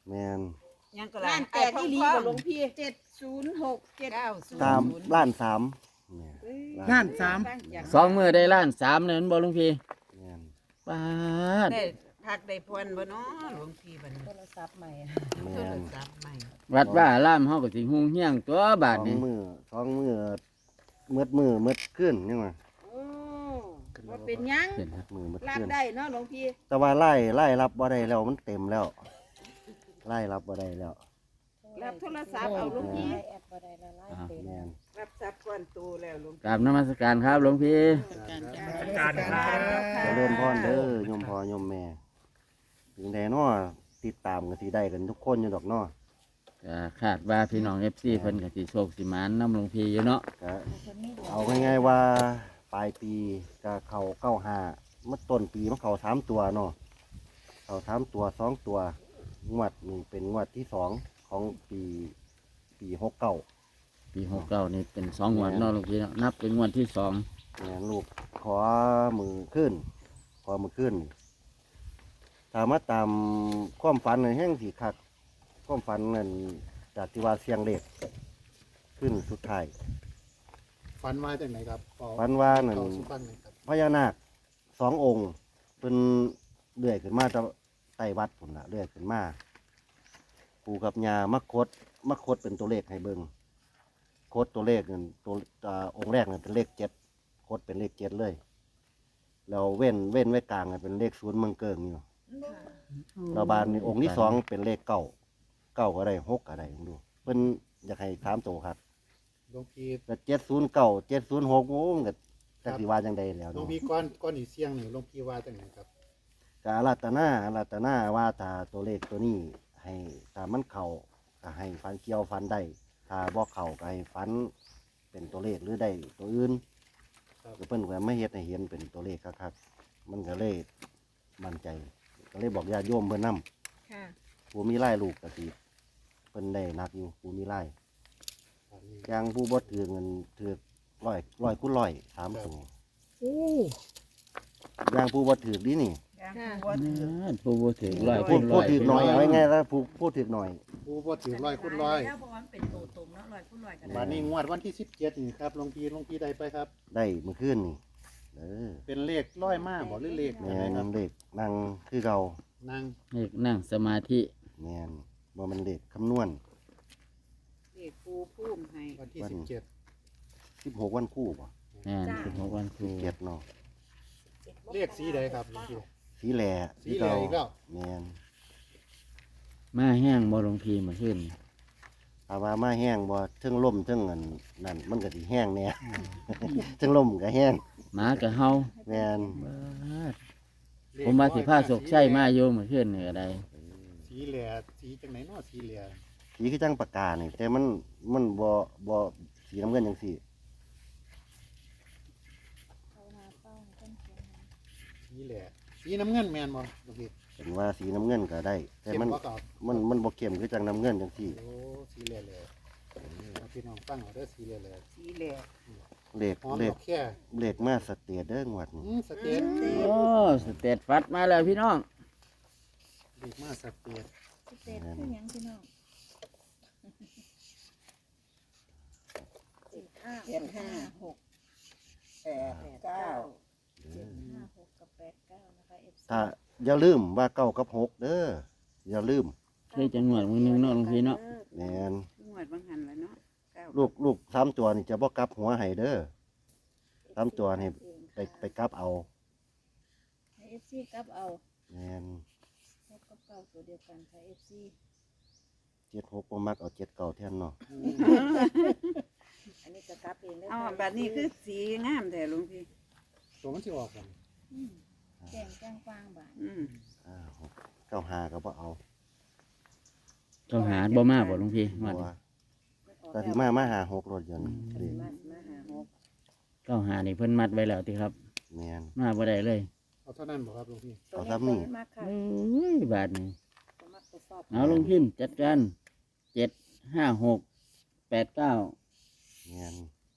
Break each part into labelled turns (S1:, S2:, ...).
S1: แม่น
S2: ยังก็
S3: ล้านแตกที่ลีบ่หลวงพี่706 7
S1: ตามล้านสามเนี่ย
S4: ล้านสาม
S5: สองมื้อได้ล้าน3เนี่ยมันบ่หลวงพี่
S1: แม่น
S5: ปาด
S2: ได้พักได้พรบ่เนาะหลวงพี่บัดนี้
S3: โทรศัพท์ใหม่
S2: โท
S1: แม่
S2: ร
S1: น
S2: ศัพท์ใหม่
S5: วัดว่าอารามเฮาก็สิฮุงเฮียงตัวบาดนี้
S1: สองมือมืดขึ้นยังไง
S3: โอ้ว่าเป็นหยัง
S5: เห็นครับ
S1: มือมืด
S3: รับ
S1: ขึ้น
S3: ได้เนาะหลวงพี่
S1: แต่ว่าไล่รับบ่ได้แล้วมันเต็มแล้วไล่รับบ่ได้แล้ว
S3: รับโทรศัพท์เอาหลวงพี่
S1: แม่น
S2: รับทรัพย์ก้อนโตแล้วหลวง
S5: กราบนมัสการครับหลวงพี่
S4: การครับ
S1: จะเริ่มพรเด้อโยมพ่อโยมแม่ถึงใดเนาะติดตามกันสิได้กันทุกคนอยู่ดอกเนาะ
S5: ก็คาดว่าพี่น้อง FC เพิ่นก็สิโชคสิหมานนำหลวงพี่อยู่เนาะ
S1: ก็เอาง่ายๆว่าปลายปีก็เข้า95มันต้นปีมันเข้า3ตัวเนาะเข้า3ตัว2ตัวงวดนี้เป็นงวดที่2ของปี69
S5: ปี69นี่เป็น2งวดเนาะหลวงพี่เนาะนับเป็นงวดที่2
S1: เนี่ยลูกขอมือขึ้นถามว่าตามความฝันในแห้งสีคักความฝันนั่นจากที่ว่าเสียงเล็กขึ้นสุดท้าย
S4: ฝันว่าจากไหนครับขอ
S1: ฝันว่านั่น
S4: ขอสุฟังหน่อยครับ
S1: พญานาค2 องค์เป็นเลื่อยขึ้นมาจากใต้วัดผมละเลื่อยขึ้นมาปู่กับย่ามาคดเป็นตัวเลขให้เบิงคดตัวเลขนั่นตัวองค์แรกนั่นเป็นเลข7คดเป็นเลข7เลยแล้วเว้นไว้กลางนั่นเป็นเลข0เมืองเกิงอยู่ เราบานนี่องค์ที่2เป็นเลขเก้าก็ได้6ก็ได้ดูเพิ่นอยากให้3ตัวครับ
S4: หลวงพี่
S1: ก็709 706โอ้ก็จักสิว่าจังได๋แล้ว
S4: หลวง
S1: เนาะ
S4: พี่ก้อนอีเสียงนี่หลวงพี่ว่าจากไหนครับ
S1: ก็อาราธนาว่าถ้าตัวเลขตัวนี้ให้ถ้ามันเข้าก็ให้ฟันเกี่ยวฟันได้ถ้าบ่เข้าก็ให้ฟันเป็นตัวเลขหรือได้ตัวอื่น
S4: ครับ
S1: ก็เพิ่นก็ไม่เฮ็ดให้เห็นเป็นตัวเลขคักๆมันก็เลยมั่นใจก็เลยบอกญาติโยมเพิ่นนำ
S3: ค่ะ
S1: ผู้มีไล่ลูกก็สิเพิ่นได้นักอยู่ผู้มีไล่
S4: ฝันนี้
S1: อย่างผู้บ่ถือเงินถือร้อยคูณร้อย3ตัว
S3: โอ้
S1: อย่างผู้บ่ถือดีนี่
S2: ยังบ่ถือ
S5: ผู้บ่ถึงร้อย
S1: ผู้
S5: คนร้
S1: ผู้
S5: อย
S1: ถือหน่อยเอาง่ายๆแล้วผู้ถือหน่อย
S4: ผู้บ่ถือร้อยคุณร้อย
S2: แล้วเพราะว่ามันเป็นโตตมเนาะร้อยคุณร้อยก็
S4: วั
S2: ได้
S4: นนี้งวดวันที่17นี่ครับหลวงพี่ได้ไปครับ
S1: ได้เมื่อคืนนี่
S4: เป็นเลขร้อยมากบ่หรือเลข
S1: แม
S4: อะไร
S1: น
S4: ครับ
S1: เด็กนั่งคือเก่า
S4: นั่ง
S5: เลขนั่งสมาธิ
S1: แมนบ่มันเด็กคำนวณ
S2: เด็กปูพุ่มให้
S4: วันที่
S1: วัน
S4: 17
S1: 16วันคู่บ่
S5: แม่น16วันครู
S1: 17เนาะ
S4: เลขสีใดครับหลวงพี่
S1: สีแหล่
S4: สีแหล่อีกแล้ว
S1: แมน
S5: มาแห้งบ่หลวงพี่มาขึ้น
S1: ถ้าว่ามาแห้งบ่เทิงล่มเทิงอันนั่นมันก็สิแห้งแน่ เทิงล่มก็แห้ง
S5: หมากับเฮา
S1: แมน
S5: บาดผมมาสิพาโศกใช้มาอยู่มาขึ้นนี่ก็ได้
S4: สีแหล่สีจังไหนเนาะสีแหล่
S1: สีคือจังปากกานี่แต่มันบ่สีน้ำเงินจังซี่
S4: สีแหล่สีน้ำเงินแม่นบ่หลวงพี่
S1: เป็นว่าสีน้ำเงินก็ได้ แต่
S4: เข้ม
S1: มัน
S4: บ่ครับ
S1: มันบ่เข้มคือจังน้ำเงินจังซี่
S4: โอ้สีแหล่แหล่เอาพี่น้องฟังเอาเด้อสีแหล่แหล่
S2: สีแหลก
S1: เลข
S4: หอม
S1: เล
S4: ด
S1: ข
S4: อกแค่
S1: เลขมาสเตียเด้องวดนี้
S4: สเตน
S5: โอ้สเตตฟัดมาแล้วพี่น้อง
S4: เด็กมาสเตน
S3: สเตตคือหยังพี่น้อง756 8 9 กับ89นะคะ FC
S1: ถ้าอย่าลืมว่าเก้ากับหกเด้ออย่าลืม
S5: เคยจังหวัดมื้อนึงเนาะหลวงพี่เนาะ
S1: แมน
S2: งวดบางหันแล้วเนาะเก้า
S1: ลูก3ตัวนี่จะบ่กลับหัวให้เด้อ3ตัวนี่ไปกลับเอา
S3: ให้ FC กลับเอา
S1: แมน
S3: 6กับ9ตัวเดียวกันค่ะ FC
S1: 76บ่มักเอา7เก่าแทนเนาะ
S3: อันนี้ก็กลับเองได้
S2: เอาบัดนี้คือสีงามแต่หลวงพี่
S4: ตัวมันสิออกกัน
S3: แจ้งจ้างฟางบาท
S2: อืม
S1: 95ก็บ่เอา
S5: ต้องหาบ่มาบ่หลวงพี่
S1: เพ
S5: ว่า
S1: ราะว่าแต่สิมาหา6รถยนต์เด้
S3: มาหาหก
S5: ก็หานี่เพิ่นมัดไว้แล้วติครับ
S1: แมน
S5: มาบ่ได้เลย
S4: เอาเท่านั้นบ่ครับหลวงพี่
S1: เอาซ้ำนี่
S3: มากค่ะ
S5: เอ้ยบาดนี้
S3: ตัวมักตัวชอบ
S5: เอาลงพิมพ์จัดการ75689
S1: แมน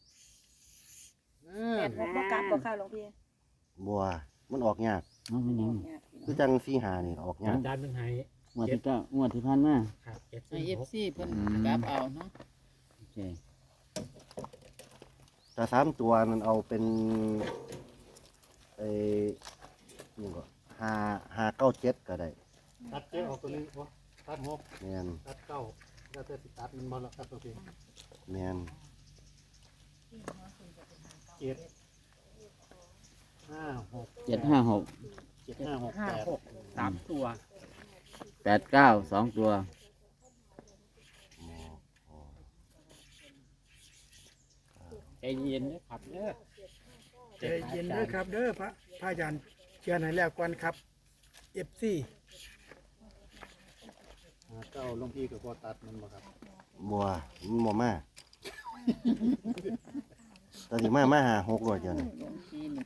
S3: แปดหกบ่กลับบ่ค่ะหลวงพี่
S1: บัวมันออกยาก
S5: เอาไม่ยัง
S3: ยากพี่น้
S1: คือ อง จัง4-5นี่ออกยาก
S6: อาจารย์เป็นไห้
S5: งวดที่เก้างวดที่ผ่านมา
S4: ครับเจ็ด
S6: ไอเอฟ
S4: 06
S6: ซีเพิ่นกลับเอาเนาะ
S5: โอเค
S1: แต่สามตัวนั้นเอาเป็นไอ้นี่ก็5 9 7ก็ได้
S4: ตัดเจ็ดออกตัวหนึงโอ้ตัด6
S1: แม่น
S4: ตัดเก้าแล้วแต่สิตัดมันบ่ละครับตัวพี่
S1: แม่น
S4: เจ็ดห้าหก
S5: 756
S4: เจ็ดห้าหกแปด
S6: สามตัว
S5: 89 2 ตัว
S6: ใจเย็นนะครับเด้อ
S7: ใจเย็นเด้อครับเด้อพระอาจารย์เชียร์ให้แล้วก่อนครับ FC
S4: เก้าหลวงพี่ก็บ่ตัดมันบ่ครับ
S1: บัวมันบ่มาตอนนี้มาหา6ร้อยเดียวนี่
S6: หลวงพี่นี่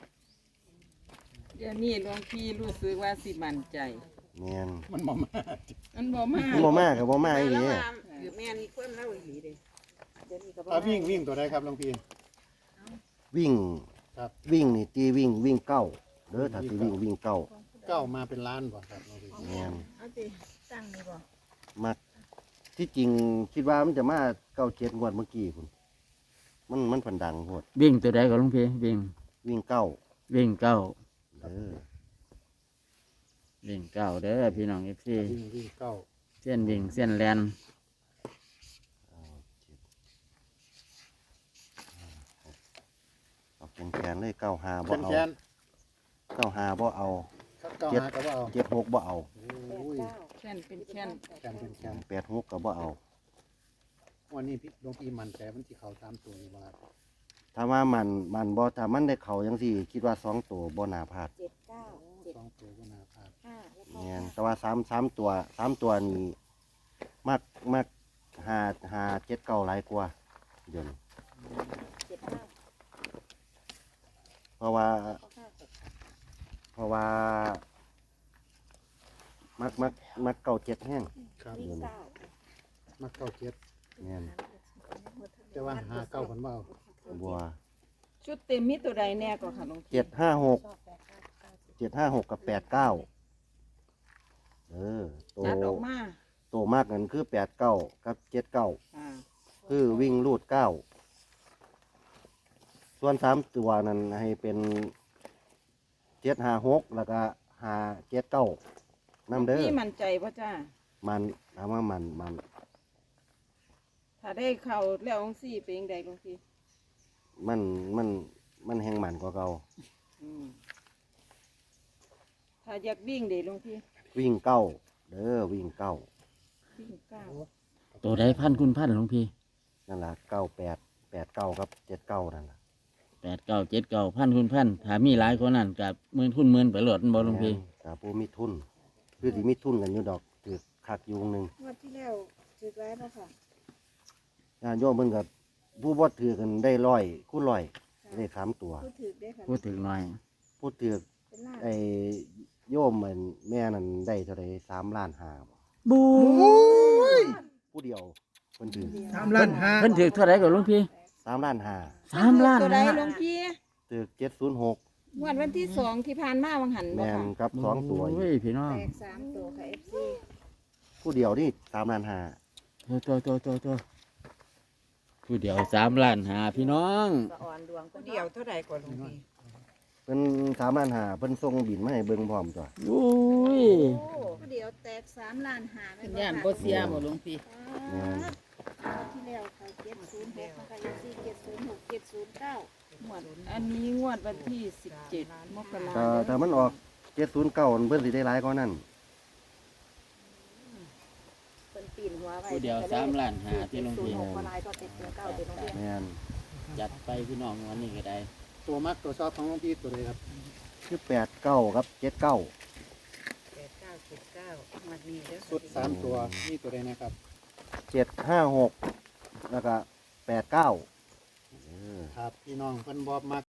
S6: เดี๋ยวนี้หลวงพี่รู้สึกว่าสิมั่นใจ
S1: แม่น
S4: มันบ่มา
S6: มันบ่มา
S1: มันบ่มาก็บ่มาอีหลี
S2: แล้วว่าอยู่แม่นี่ความเล่าอีหลีเด้เดี๋ยวนี้ก็บ่
S4: ถ้าวิ่งตัวใดครับหลวงพี่
S1: วิ่ง
S4: ครับ
S1: วิ่งนี่ตีวิ่งเก้าเด้อถ้าสิวิ่งเก้า
S4: เก้ามาเป็นล้านบ่ครับหลวงพี่
S1: แม่น
S3: เอาสิตั้งนี่บ่
S1: มักที่จริงคิดว่ามันจะมา97งวดเมื่อกี้พุ่นมันพันดังโพด
S5: วิ่งตัวใดก็หลุงพี่วิ่ง
S1: วิ่งเก้า
S5: วิ่งเก้า
S1: เด้อ
S5: วิ่งเก้าเด้อพี่น้อง FC
S4: วิ่งเก้า
S5: เส้นวิ่งเส้นแลน
S1: เอาแขนเลย95บ่
S4: แขน
S1: เอา
S4: แขน
S1: 95บ่เอา
S4: ครับเก้าหาก็บ่เอา
S1: 76บ่เอา
S4: โอ้ย
S6: แค่นเป็นแค่น
S4: แขนเป็นแขน
S1: 86ก็บ่เอา
S4: วันนี้พี่หลวงพี่มั่นใจมันที่เขา3ตัวนี่บ่ครับ
S1: ถ้าว่ามันบ่ถ้ามันได้เข้าจังซี่คิดว่า2ตัวบ่น่าพลาด
S3: เจ็ดเก้าเจ็ด
S4: สองตัวก็น่าพลาด
S3: ห้าแล้วก็
S1: แม่นแต่ว่า3ตัวนี่มัก5 7 9หลายกว่าเดี๋ยวนี้
S3: เจ็ดห้า
S1: เพราะว่า
S3: ก็ห้าหก
S1: เพราะว่ามักเก่าเจ็ดแห้ง
S4: ครับ
S3: วิ่งเก้า
S4: มาเก้าเจ็ด
S1: เนี่ย
S4: แต่ว่าหาเก้าคนบ่เอา
S1: บัว
S6: ชุดเต็มมีตัวใดแน่ก็ค่ะหลวงพี่
S1: 756กับ89ตัว
S6: จัดออกมา
S1: ตัวมากนั่นคือ89กับ79
S6: อ่า
S1: คือวิ่งรูด9ส่วน3ตัวนั้นให้เป็น756แล้วก็579นำเด้อ
S6: พี่มั่นใจป่ะจ้า
S1: มันถามว่ามัน
S6: ถ้าได้เข้าแล้วองซี่เป็นยังไงหลวงพี่
S1: มันแห้งมันกว่าเก่า
S6: อืมถ้าอยากวิ่งเด้หลวงพี่
S1: วิ่งเก้าเด้อวิ่งเก้า
S6: วิ่งเก้า
S5: ตัวใดพันคุณพันหลวงพี่
S1: นั่นล่ะ98 89กับ79นั่นล่ะ
S5: 89 79พันคุณพันถ้ามีหลายคนนั่นกับหมื่นคุณหมื่นไปโหลดบ่หลวงพี่
S1: กับผู้มีทุนคือสิมีทุนกันอยู่ดอกถือคักอยุงหนึ่ง
S3: งวดที่แล้วถือไว้ป่ะค่ะ
S1: ญาติโยมเพิ่นกับผู้บ่ถือกันได้100คูณ100ได้3ตัว
S3: พูดถือได้ค่ะ
S5: พูดถึงหน่อย
S1: ผู้ถือ
S3: เป็นล้าน
S1: ไอ้โยมเหมือนแม่นั่นได้เท่าใด3ล้าน5บ่
S5: บู
S1: ผู้เดียวเพิ่นถือ
S7: 3ล้านห้า
S5: เพิ่นถือเท่าไหร่ก็หลวงพี่
S1: 3ล้าน
S5: 3 ล้าน
S6: ตัวใด
S5: นะ
S6: หลวงพี่
S1: 5ถือ706
S6: งวดวันที่2ที่ผ่านมาวังหันบ่
S1: แม่น
S6: ค่ะ
S1: กับ2ตัว
S5: โอ้ยพี่น้อง
S3: แตกสามตัวค่ะ FC
S1: ผู้เดียวนี่3ล้าน5
S5: ตัวผู้เดียว3 ล้านหาพี่น้อง
S3: สะอ่อนดวง
S2: ผู้เดียวเท่าใดกว่าหลวงพี่
S1: เพิ่น3ล้าน5เพิ่นส่งบินมาให้เบิ่งพร้อมตัว
S5: โอ้ย
S3: โอ้เดี๋ยวแตก3ล้านห้าแม่
S6: เป็น
S3: น
S6: ย่าน
S3: ค่ะ
S6: บ่เสียบ่หลวงพี่
S1: แม่น
S3: งวดที่แล้วค่ะ706นะคะ FC 706 709
S6: งวดอันนี้งวดวันที่17มกรา
S1: ถ้ามันออก709เพิ่นสิได้หลายกว่านั้น
S3: เป็นปีนหัวไว้
S5: ผู้เดียว3 ล้านหาที่หลวงพี่
S3: 06กว่าลายก็709เดี๋ยวน้องเรียน
S1: แม่น
S5: จัดไปพี่น้องวันนี้ก็ได้
S4: ตัวมักตัวชอบของหลวงพี่ตัวใดครับ
S1: คือ89กับ79
S2: 8979วันนี้เด้อ
S4: สุด3ตัวนี่ตัวใดนะครับ
S1: 756แล้วก็89
S4: ครับพี่น้องเพิ่นบ่มัก